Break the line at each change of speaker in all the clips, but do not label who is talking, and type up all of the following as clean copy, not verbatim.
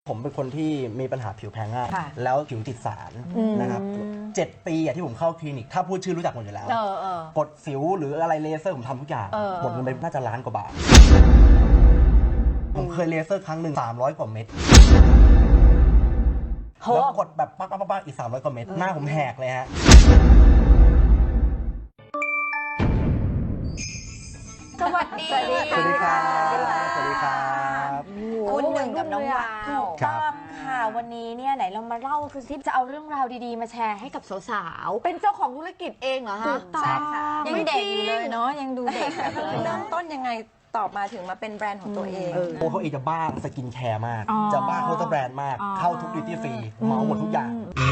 ผมเป็นคนที่มีปัญหาผิวแพ้ง่ายแล้วผิวติดสารนะครับ7 ปีที่ผมเข้าคลินิกถ้าพูดชื่อรู้จักหมดอยู่แล้วกดสิวหรืออะไรเลเซอร์ผมทำทุกอย่างหมดเงินไปน่าจะ1 ล้านกว่าบาทผมเคยเลเซอร์ครั้งหนึ่ง300 กว่าเม็ดแล้วกดแบบปักอีก300 กว่าเม็ดหน้าผมแหกเลยฮะ
สวัสดี
สวัสดีครับสวัสดีครับ
คุณหนึ่งกับน้องวาว
ถูกต้อง
ค่ะวันนี้เนี่ยไหนเรามาเล่าคือที่จะเอาเรื่องราวดีๆมาแชร์ให้กับสาว
เป็นเจ้าของธุรกิจเองเหรอ
ๆ
คะ
ถูกต้องยังเด็กอยู่เลยเนาะยังดูเด็กแบบเลย
เริ่มต้นยังไงตอบมาถึงมาเป็นแบรนด์ของตัวเอง
โอ้เขาเองจะบ้าสกินแคร์มากจะบ้าเคาน์เตอร์แบรนด์มากเข้าทุกดิวตี้ฟรีเหมาหมดทุกอย่าง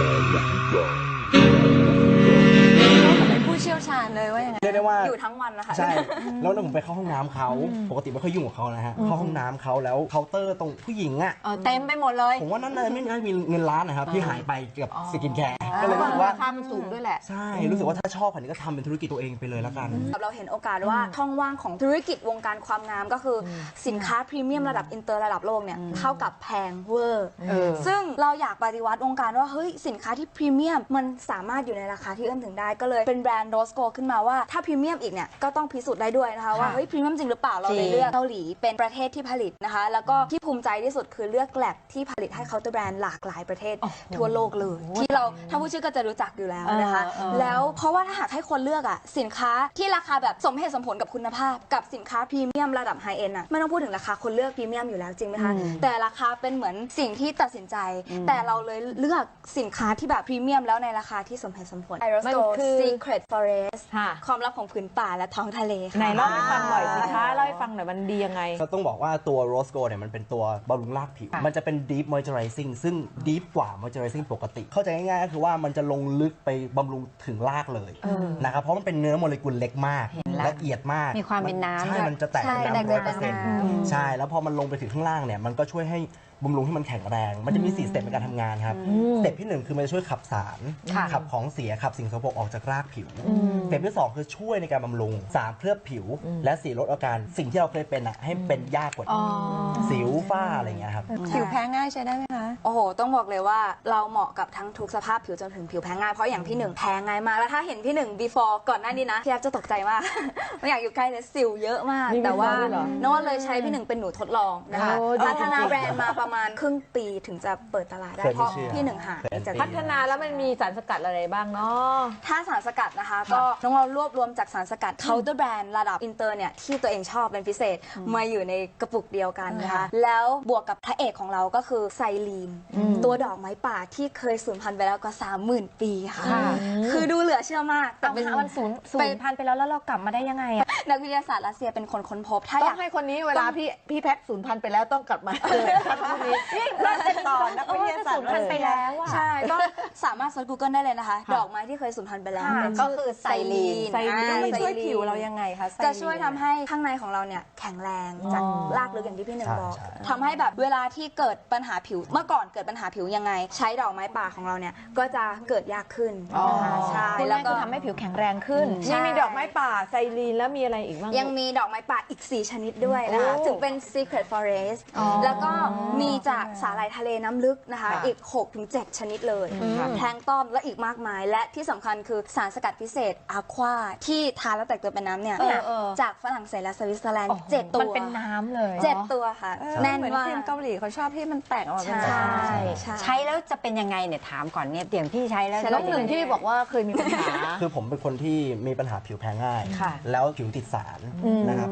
เป็นผู้เชี่ยวชาญเลยว่าอย่างไง
เรียกได้ว่า
อยู่ทั้งวันนะคะ
ใช่แล้วผมไปเข้าห้องน้ำเขาปกติไม่ค่อยยุ่งกับเขานะฮะเข้าห้องน้ำเขาแล้วเคาน์เตอร์ตรงผู้หญิงอ่ะ
เต็มไปหมดเลย
ผมว่านั่นเลยไม่น่ามีเงินล้านนะครับที่หายไปกับสกินแคร์ก็เลยรู้สึกว่า
ราคามันสูงด้วยแหละ
ใช่รู้สึกว่าถ้าชอบแบบนี้ก็ทำเป็นธุรกิจตัวเองไปเลยแล้วกัน
เราเห็นโอกาสว่าช่องว่างของธุรกิจวงการความงามก็คือสินค้าพรีเมียมระดับอินเตอร์ระดับโลกเนี่ยเท่ากับแพงเวอร์ซึ่งเราอยากปฏิวัติวงการว่าเฮ้ยสินค้าที่พรีเมียมมันสามารถอยู่ในราคาที่เอื้อมถึงได้ก็เลยเป็นแบรนด์โรสโกขึ้นมาว่าถ้าพรีเมียมอีกเนี่ยก็ต้องพิสูจน์ได้ด้วยนะคะว่าเฮ้ยพรีเมียมจริงหรือเปล่าเราเลยเลือกเกาหลีเป็นประเทศที่ผลิตนะคะแล้วก็ที่ภูมิใจที่สุดคือเลือกแลบที่ผลิตให้เคาน์เตอร์แบรนด์หลากหลายประเทศทั่วโลกเลยที่เราถ้าผู้ชื่อก็จะรู้จักอยู่แล้วนะคะแล้วเพราะว่าถ้าหากให้คนเลือกอะสินค้าที่ราคาแบบสมเหตุสมผลกับคุณภาพกับสินค้าพรีเมียมระดับไฮเอ็นด์อะไม่ต้องพูดถึงราคาคนเลือกพรีเมียมอยู่แล้วจริงไหมคะแต่ราคาเป็นเหมือนสิ่งที่ตัดสินใจแต่เราเลยเลือกสินค้าที่แบบพรีเมียมแล้วในราคาที่สมเหตุสมผล Aerosto Secret Forest ความลับของผืนป่าและท้องทะเลค่ะ
ไหนเล่าให้ฟังหน่อยสิคะเล่าให้ฟังหน่อยมันดียังไง
ก็ต้องบอกว่าตัว Rose Gold เนี่ยมันเป็นตัวบำรุงรากผิว มันจะเป็น Deep Moisturizing ซึ่ง Deep กว่า Moisturizing ปกติ เข้าใจง่ายๆก็คือว่ามันจะลงลึกไปบำรุงถึงรากเลยนะครับเพราะมันเป็นเนื้อโมเลกุลเล็กมากละเอียดมาก
มีความเป็นน้ำ
ใช่มันจะแตกเป็นน้ำ100%ใช่แล้วพอมันลงไปถึงข้างล่างเนี่ยมันก็ช่วยให้บำรุงให้มันแข็งแรงมันจะมี4 สเต็ปในการทำงานครับสเต็ปที่1คือมันจะช่วยขับสารขับของเสียขับสิ่งสกปรกออกจากรากผิวสเต็ปที่2คือช่วยในการบำรุง3เคลือบผิวและ4ลดอาการสิ่งที่เราเคยเป็นให้เป็นยากกว่าสิวฝ้าอะไรอย่างเงี้ยครับ
ผิวแพ้ง่ายใช้ได้ไหมคะโอ้โหต้องบอกเลยว่าเราเหมาะกับทั้งทุกสภาพผิวจนถึงผิวแพ้ง่ายเพราะอย่างพี่หนึ่งแพ้ง่ายมากแล้วถ้าเห็นพี่หนึ่ง before ก่อนหน้านี้นะพี่แอฟจะตกใจมาก ไม่อยากอยู่ใกล้เลยสิวเยอะมากแต่ว่าโน้ตเลยใช้พี่หนึ่งเป็นหนูทดลองนะคะพัฒนาแบรนด์มาประมาณครึ่งปีถึงจะเปิดตลาดได้เพราะพี่หนึ่งหาจาก
พัฒนาแล้วมันมีสารสกัดอะไรบ้างเนาะ
ถ้าสารสกัดนะคะก็น้องเรารวบรวมจากสารสกัดเคาน์เตอร์แบรนด์ระดับอินเตอร์เนี่ยที่ตัวเองชอบเป็นพิเศษมาอยู่ในกระปุกเดียวกันนะคะแล้วบวกกับพระเอกของเราก็คือไซลีนตัวดอกไม้ป่าที่เคยสูญพันธุ์ไปแล้วกว่า 30,000 ปีค่ะคือดูเหลือเชื่อมากแต่เป็น
มันสูญพันธุ์ไปแล้วเรากลับมาได้ยังไงอะ
นักวิทยาศาสตร์รัสเซียเป็นคนค้นพบถ้า
ต้
อ
อย
าก
งให้คนนี้เวลาพี่แพ็คสูญพันธุ์ไปแล้วต้องกลับมาเจอท่านผู้นี้นี่น่าจะต่อนักวิทยาศาสตร์
พันธุ์ไปแล้วอะ
ใช่ก็สามารถเซิร์ช Google ได้เลยนะคะ ดอกไม้ที่เคยสูญพันธุ์ไปแล้วก็คือไซลีน
มันช่วยผิวเรา
ยังไงคะจะช่วยทำให้ข้างในของเราเนี่ยแข็งแรงจากรากลึกอย่างที่พี่หนึ่งบอกทำให้แบบเวลาที่เกิดปัญหาผิวเมื่อก่อนเกิดปัญหาผิวยังไง ใช้ดอกไม้ป่าของเราเนี่ยก็จะเกิดยากขึ้นนะคะใช่
แล้
แล้ว ว
ก็
ก็
ทำให้ผิวแข็งแรงขึ้น
นี่มีดอกไม้ป่าไซลีนแล้วมีอะไรอีกบ้าง
ยังมีดอกไม้ป่าอีก 4 ชนิดด้วยนะคะถึงเป็น Secret Forest แล้วก็มีจากสาหร่ายทะเลน้ำลึกนะคะอีก 6-7 ชนิดเลยแพลงก์ตอนและอีกมากมาย และที่สำคัญคือสารสกัดพิเศษอะควาที่ทานแล้วแตกตัวเป็นน้ำเนี่ยจากฝรั่งเศสและสวิตเซอร์แลนด์ 7 ตัว
มันเป็นน้ำเลย
7 ตัวค่ะแน่นมาก
เกาหลีเขาชอบที่มันแตกออกมาเป็น
ใช่
ใช้แล้วจะเป็นยังไงเนี่ยถามก่อนเนี่ยอย่างพี่ใช้แล้ว
น้องหนึ่งที่บอกว่าเคยมีปัญหา
คือผมเป็นคนที่มีปัญหาผิวแพ้ง่ายแล้วผิวติดสารนะครับ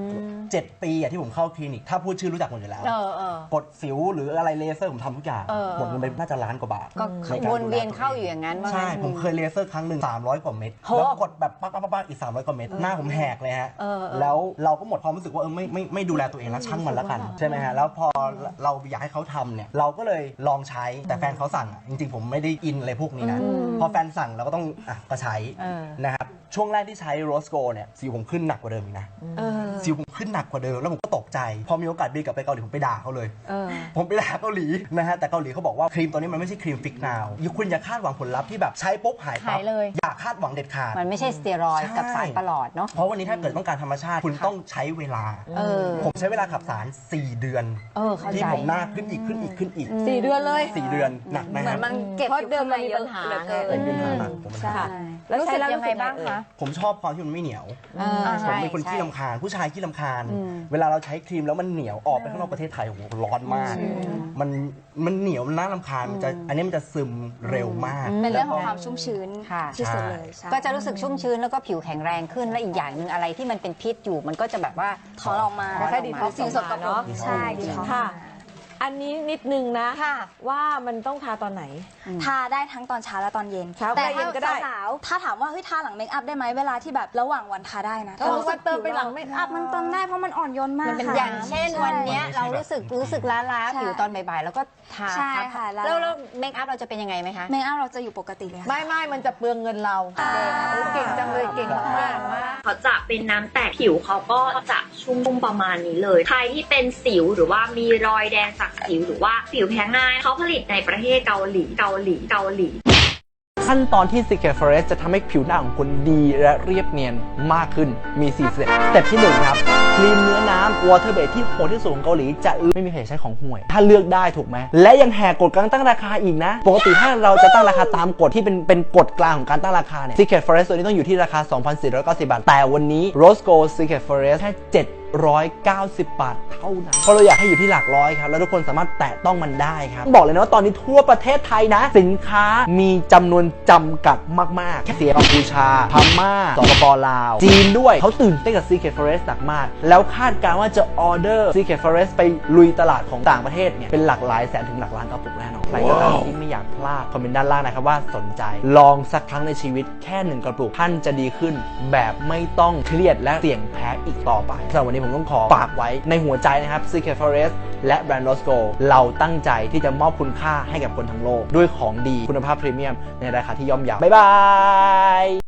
7 ปีที่ผมเข้าคลินิกถ้าพูดชื่อรู้จักหมดอยู่แล้วกดสิวหรืออะไรเลเซอร์ผมทำทุกอย่างหมดเงินไปน่าจะ1 ล้านกว่าบาท
ก็วนเวียนเข้าอยู่อย่างนั้นว่า
ใช่ผมเคยเลเซอร์ครั้งหนึ่ง300 กว่าเม็ดแล้วกดแบบปักอีก300 กว่าเม็ดหน้าผมแหกเลยฮะแล้วเราก็หมดความรู้สึกว่าไม่ดูแลตัวเองแล้วช่างมันแล้วกันใช่ไหมฮะแล้วพอเราอยากให้เขาทำเนี่ยเราก็เลยลองใช้แต่แฟนเขาสั่งจริงๆผมไม่ได้อินอะไรพวกนี้นะพอแฟนสั่งเราก็ต้องก็ใช้นะครับช่วงแรกที่ใช้โรสโกเนี่ยสิวผมขึ้นหนักกว่าเดิมอีกนะสิวผมขึ้นหนักกว่าเดิมแล้วผมก็ตกใจพอมีโอกาสบินกลับไปเกาหลีผมไปด่าเขาเลยผมไปด่าเกาหลีนะฮะแต่เกาหลีเขาบอกว่าครีมตัวนี้มันไม่ใช่ครีมฟิกนาวคุณอย่าคาดหวังผลลัพธ์ที่แบบใช้ปุ๊บหายปั๊บ
หายเลย
อย่าคาดหวังเด็ดขาด
มันไม่ใช่สเตียรอยด์กับสารประหลอดเนาะ
เพราะวันนี้ถ้าเกิดต้องการธรรมชาติคุณต้องใช้เวลา ผมใช้เวลาขับสาร 4 เดือน
เข้าใจ
ที่ผมหน้าขึ้นอีกขึ้นอีกขึ้นอีก
4 เดือนเลย
4 เดือนหนักนะ
เหมื
ค
อ
รับ
นมันเก็บ
เพราะ
อยู่
เดิม
ข้างใน
มันมี
เย
ปั
อะ
ญหา
เหลือ
ไง
เกิน
เป็นปัญหาหนักผม
ใช่
แล้ว
รู้
ใช้
สึก
แล้ว
ยังไงบ้างคะ
ผมชอบความที่มันไม่เหนียว ผม
ใช่
เป็นคนขี้รำคาญผู้ชายขี้รำคาญ เวลาเราใช้ครีมแล้วมันเหนียวออกไปข้างนอกประเทศไทยโอ้โหร้อนมาก มันเหนียวมันน่ารำคาญอันนี้มันจะซึมเร็วมาก
เป็นเรื่องของความชุ่มชื้น
ค่ะ
ที่สุดเลยใช่
ก็จะรู้สึกชุ่มชื้นแล้วก็ผิวแข็งแรงขึ้นและอีกอย่างหนึ่งอะไรที่มันเป็นพิษอยู่มันก็จะแบบว่า
ถอนออกมา
แค่ดีท็อกซ์
สิ่งสกปร
เนาะ
กใช่ดีท็อกซ์
ค่ะ อันนี้นิดนึงนะ
ค่ะ
ว่ามันต้องทาตอนไหน
ทาได้ทั้งตอนเช้าและตอนเย็น
เช้า
แต่
กับเย็นก็ได้
สาวๆถ้าถามว่าเฮ้ยทาหลังเมคอัพได้ไหมเวลาที่แบบระหว่างวันทาได้นะ
เออว่าเติมไปหลังเมคอัพ
มันเติมได้เพราะมันอ่อนโยนมาก
มันเป็น
ค่ะ
อย่างเช่นวันเนี้ย
ใช่
เรารู้สึกล้า
ใช่
ๆผิวตอนบ่ายๆแล้วก็ทา
ใช่ค่ะ
แล้วเมคอัพเราจะเป็นยังไงไหมคะ
เมคอัพเราจะอยู่ปกติเลยค่ะ
ไม่มันจะเปลืองเงินเราเก่งจังเลยเก่งมาก
เขาจะเป็นน้ำแตกผิวเขาก็จะชุ่มประมาณนี้เลย ใครที่เป็นสิวหรือว่ามีรอยแดงจากสิวหรือว่าสิวแพ้ง่ายเขาผลิตในประเทศเกาหลี
ขั้นตอนที่ Secret Forest จะทำให้ผิวหน้าของคุณดีและเรียบเนียนมากขึ้น มี 4 สเต็ป สเต็ปที่ 1 ครับ ครีมเนื้อน้ำ Water Base ที่โหดที่สุดของเกาหลีจะไม่มีใครใช้ของห่วย ถ้าเลือกได้ถูกไหม และยังแหกกฎการตั้งราคาอีกนะ ปกติถ้าเราจะตั้งราคาตามกฎที่เป็นกฎกลางของการตั้งราคาเนี่ย Secret Forest ตัวนี้ต้องอยู่ที่ราคา 2,490 บาท แต่วันนี้ Rose Gold Secret Forest แค่790 บาทเท่านั้นเพราะเราอยากให้อยู่ที่หลักร้อยครับแล้วทุกคนสามารถแตะต้องมันได้ครับบอกเลยนะว่าตอนนี้ทั่วประเทศไทยนะสินค้ามีจำนวนจำกัดมากๆแค่เสียกัมพูชาพม่าสปปลาวจีนด้วยเขาตื่นเต้นกับ Secret Forest หนักมากแล้วคาดการณ์ว่าจะออเดอร์ Secret Forest ไปลุยตลาดของต่างประเทศเนี่ยเป็นหลักหลายแสนถึงหลักล้านกระปุกแน่นอนใครก็ตามที่ไม่อยากพลาดคอมเมนต์ด้านล่างนะครับว่าสนใจลองสักครั้งในชีวิตแค่1 กระปุกท่านจะดีขึ้นแบบไม่ต้องเครียดและเสี่ยงแพ้อีกต่อไปสำหรับวันนี้ผมต้องขอฝากไว้ในหัวใจนะครับ Secret Forest และแบรนด์ Rose Gold เราตั้งใจที่จะมอบคุณค่าให้กับคนทั้งโลกด้วยของดีคุณภาพพรีเมียมในราคาที่ย่อมเยาบ๊ายบาย